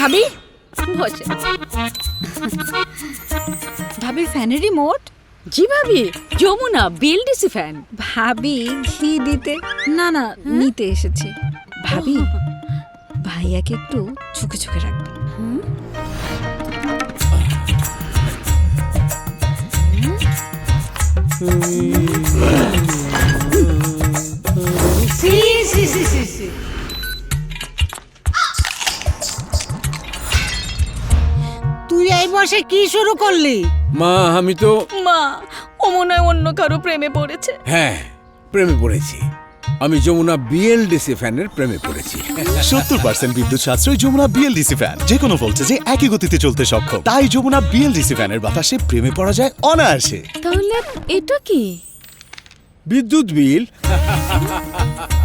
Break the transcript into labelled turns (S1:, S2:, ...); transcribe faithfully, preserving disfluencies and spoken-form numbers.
S1: ভাবি বসে।
S2: ভাবি ফ্যানের রিমোট?
S1: জি ভাবি, যমুনা বিএলডিসি ফ্যান।
S2: ভাবি ঘি দিতে না না নিতে এসেছি। ভাবি ভাইয়াকে একটু চোখে চোখে রাখবেন।
S3: তুই এই বসে কি শুরু করলি?
S4: মা আমি তো
S1: মা, ও মনে হয় অন্য কারো প্রেমে পড়েছে।
S4: হ্যাঁ প্রেমে পড়েছি। আমি যমুনা বিএলডিসি ফ্যানের প্রেমে পড়েছি।
S5: সত্তর পার্সেন্ট বিদ্যুৎ সাশ্রয় যমুনা বিএলডিসি ফ্যান, যে কোনো ভোল্টেজে একই গতিতে চলতে সক্ষম। তাই যমুনা বিএলডিসি ফ্যানের বাতাসে প্রেমে পড়া যায় অনায়াসে।
S1: তাহলে এটা কি?
S4: বিদ্যুৎ বিল।